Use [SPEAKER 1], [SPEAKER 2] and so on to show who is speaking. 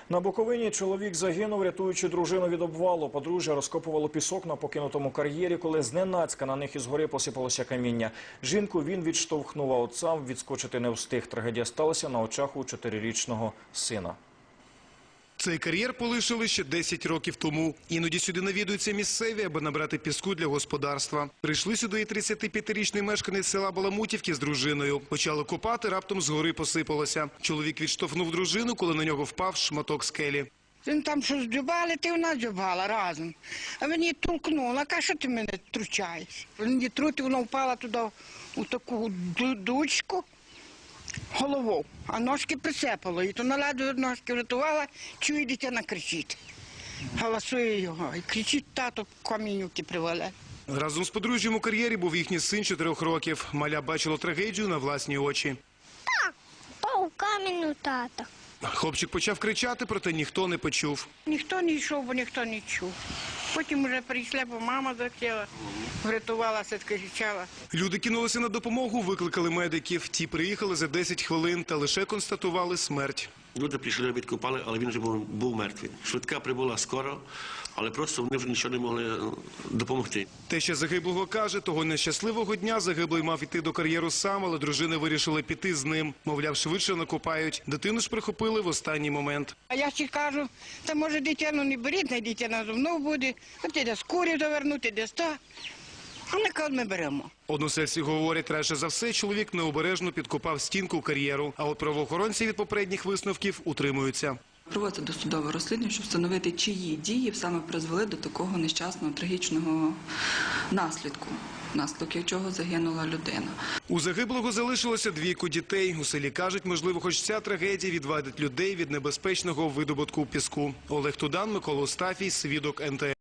[SPEAKER 1] На Буковині чоловік загинув, рятуючи дружину від обвалу. Подружжя розкопувало пісок на покинутому кар'єрі, коли зненацька на них із гори посипалося каміння. Жінку він відштовхнув, а от сам відскочити не встиг. Трагедія сталася на очах у 4-річного сина.
[SPEAKER 2] Цей кар'єр полишили ще 10 років тому. Іноді сюди навідуються місцеві, аби набрати піску для господарства. Прийшли сюди і 35-річний мешканець села Баламутівки з дружиною. Почали копати, раптом з гори посипалося. Чоловік відштовхнув дружину, коли на нього впав шматок скелі.
[SPEAKER 3] Він там щось дзюбали, ти вона дзюбала разом. А мені толкнула, каже, що ти мене тручаєш? Мені трути, вона впала туди у таку дучку головою, а ножки прицепило. І то на ладу ножки врятувала, чує, дитина кричить. Голосує його і кричить, тато камінюки привале.
[SPEAKER 2] Разом з подружжям у кар'єрі був їхній син 4 років. Маля бачила трагедію на власні очі.
[SPEAKER 4] Так, впав камінь у тата.
[SPEAKER 2] Хлопчик почав кричати, проте ніхто не почув.
[SPEAKER 3] Ніхто не йшов, бо ніхто не чув. Потім вже прийшла, бо мама захотіла, врятувалася, кричала.
[SPEAKER 2] Люди кинулися на допомогу, викликали медиків. Ті приїхали за 10 хвилин та лише констатували смерть.
[SPEAKER 5] Люди прийшли, відкопали, але він вже був мертвий. Швидка прибула скоро, але просто вони вже нічого не могли допомогти.
[SPEAKER 2] Теща загиблого каже, того нещасливого дня загиблий мав іти до кар'єру сам, але дружини вирішили піти з ним. Мовляв, швидше накопають. Дитину ж прихопили в останній момент.
[SPEAKER 3] А я ще кажу, та може дитину не беріть, не дитина зо мною буде, от іде з курів довернути, де ста. А ми кажуть, ми беремо.
[SPEAKER 2] Односельці говорять, радше за все, чоловік необережно підкопав стінку кар'єру. А от правоохоронці від попередніх висновків утримуються.
[SPEAKER 6] Проводиться досудове розслідування, щоб встановити, чиї дії саме призвели до такого нещасного, трагічного наслідку, внаслідок чого загинула людина.
[SPEAKER 2] У загиблого залишилося 2 дітей. У селі кажуть, можливо, хоч ця трагедія відвадить людей від небезпечного видобутку піску. Олег Тудан, Микола Остафій, свідок НТ.